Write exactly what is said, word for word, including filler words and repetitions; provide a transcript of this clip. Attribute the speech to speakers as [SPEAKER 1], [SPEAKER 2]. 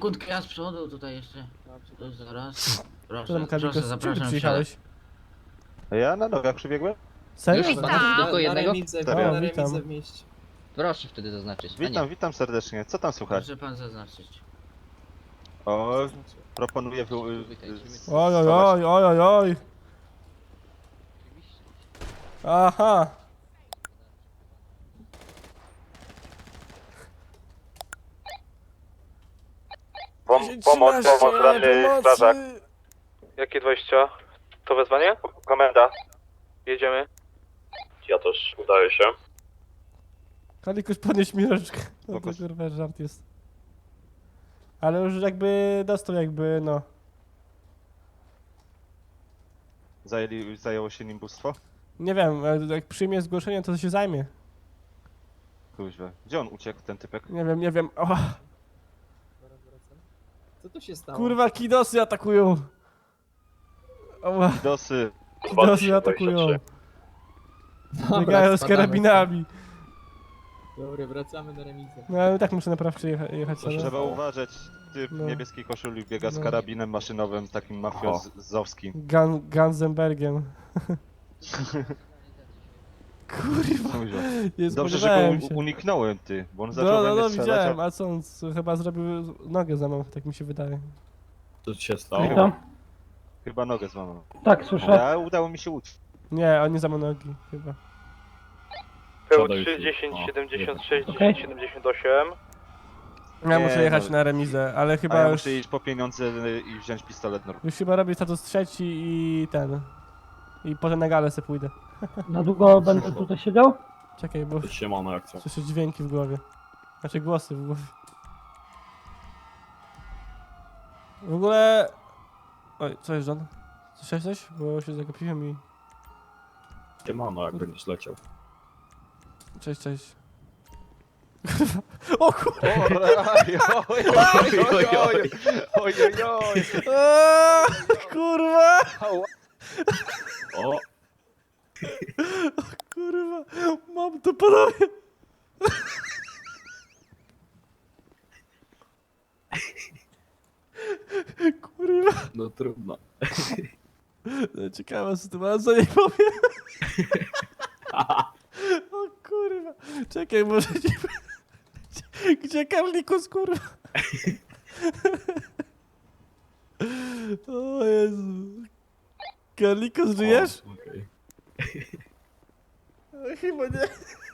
[SPEAKER 1] sekundkę, ja z przodu tutaj jeszcze. To zaraz. Proszę,
[SPEAKER 2] Co tam, Kaliko,
[SPEAKER 1] proszę,
[SPEAKER 2] z czym ty
[SPEAKER 1] zapraszam.
[SPEAKER 2] przyjechałeś?
[SPEAKER 3] A ja na nogach przybiegłem?
[SPEAKER 2] Serio?
[SPEAKER 1] Już?
[SPEAKER 4] Pana tylko
[SPEAKER 5] Na
[SPEAKER 4] jednego?
[SPEAKER 5] remizę,
[SPEAKER 3] Serio?
[SPEAKER 5] na
[SPEAKER 2] Witam.
[SPEAKER 5] remizę w mieście.
[SPEAKER 4] Proszę wtedy zaznaczyć. A
[SPEAKER 3] Witam,
[SPEAKER 4] nie.
[SPEAKER 3] witam serdecznie. Co tam słychać?
[SPEAKER 1] Proszę pan zaznaczyć.
[SPEAKER 3] O, proponuję wy...
[SPEAKER 2] Oj, oj, oj, oj, oj, oj. Aha.
[SPEAKER 6] Pom
[SPEAKER 2] dziesięć,
[SPEAKER 6] pomoc,
[SPEAKER 2] trzynaście,
[SPEAKER 6] pomoc, ranny
[SPEAKER 2] pomocy.
[SPEAKER 6] strażak.
[SPEAKER 7] Jakie dwadzieścia? To wezwanie?
[SPEAKER 6] Komenda.
[SPEAKER 7] Jedziemy.
[SPEAKER 6] Ja też udaję się.
[SPEAKER 2] Kalikuś, podnieś mi rączkę. No to
[SPEAKER 3] Spoko.
[SPEAKER 2] kurwa żart jest. Ale już jakby dostał jakby, no.
[SPEAKER 3] Zajęli, zajęło się nim bóstwo?
[SPEAKER 2] Nie wiem, jak przyjmie zgłoszenie, to się zajmie.
[SPEAKER 3] Kuźwa. Gdzie on uciekł, ten typek?
[SPEAKER 2] Nie wiem, nie wiem. O,
[SPEAKER 5] Co tu się stało?
[SPEAKER 2] kurwa, kidosy atakują. O,
[SPEAKER 3] Dosy.
[SPEAKER 2] kidosy atakują.
[SPEAKER 5] Dobra,
[SPEAKER 2] Biegają z
[SPEAKER 5] spadamy.
[SPEAKER 2] karabinami.
[SPEAKER 5] Dobra, wracamy na remizę.
[SPEAKER 2] No ale tak muszę naprawczy jecha jechać sobie.
[SPEAKER 3] Trzeba uważać. Typ
[SPEAKER 2] No.
[SPEAKER 3] w niebieskiej koszuli biega z
[SPEAKER 2] No.
[SPEAKER 3] karabinem maszynowym, takim mafiozowskim.
[SPEAKER 2] Gan Ganzenbergiem. Kurwa,
[SPEAKER 3] Kuźwa.
[SPEAKER 2] nie
[SPEAKER 3] Dobrze, że
[SPEAKER 2] spodziewałem
[SPEAKER 3] go
[SPEAKER 2] się.
[SPEAKER 3] u- uniknąłem, ty. Bo on zaczął
[SPEAKER 2] No,
[SPEAKER 3] we
[SPEAKER 2] no,
[SPEAKER 3] mnie
[SPEAKER 2] no,
[SPEAKER 3] strzelać,
[SPEAKER 2] widziałem,
[SPEAKER 3] a...
[SPEAKER 2] a co on c- chyba zrobił nogę złamał, tak mi się wydaje.
[SPEAKER 6] Co ci się stało?
[SPEAKER 8] Witam.
[SPEAKER 3] Chyba nogę złamał.
[SPEAKER 8] Tak, słyszę.
[SPEAKER 3] Ja udało mi się uciec.
[SPEAKER 2] Nie, on nie złamał nogi, chyba.
[SPEAKER 7] P
[SPEAKER 6] Siadaj
[SPEAKER 7] trzy,
[SPEAKER 6] tu.
[SPEAKER 7] dziesięć,
[SPEAKER 6] O,
[SPEAKER 7] siedemdziesiąt sześć,
[SPEAKER 8] Okej.
[SPEAKER 7] dziesięć, siedemdziesiąt osiem.
[SPEAKER 2] Ja
[SPEAKER 3] Nie,
[SPEAKER 2] muszę jechać
[SPEAKER 3] no.
[SPEAKER 2] na remizę, ale
[SPEAKER 3] A
[SPEAKER 2] chyba
[SPEAKER 3] ja
[SPEAKER 2] już,
[SPEAKER 3] muszę iść po pieniądze i wziąć pistolet normalnie.
[SPEAKER 2] już chyba robię status trzeci i ten. I potem na galę se pójdę.
[SPEAKER 8] Na długo będę tutaj siedział?
[SPEAKER 2] Czekaj, bo
[SPEAKER 6] Siemano, jak co?
[SPEAKER 2] słyszę dźwięki w głowie. Znaczy głosy w głowie. W ogóle... Oj, co jest, John? Słyszałeś coś? Bo się zagapiłem i...
[SPEAKER 6] Siemano, jak będziesz leciał.
[SPEAKER 2] Cześć, cześć. O kurwa!
[SPEAKER 3] Oj, oj, oj, oj, oj, oj, oj, oj.
[SPEAKER 2] Eee, kurwa!
[SPEAKER 6] O!
[SPEAKER 2] Kurwa! Mam to panowie! Kurwa!
[SPEAKER 6] No trudno.
[SPEAKER 2] Ciekawa sytuacja, nie powiem. O kurwa! Czekaj, może nie... Gdzie, gdzie Karlikus, kurwa? O Jezu. Karlikus, żyjesz?
[SPEAKER 6] O, okej.
[SPEAKER 2] Chyba nie.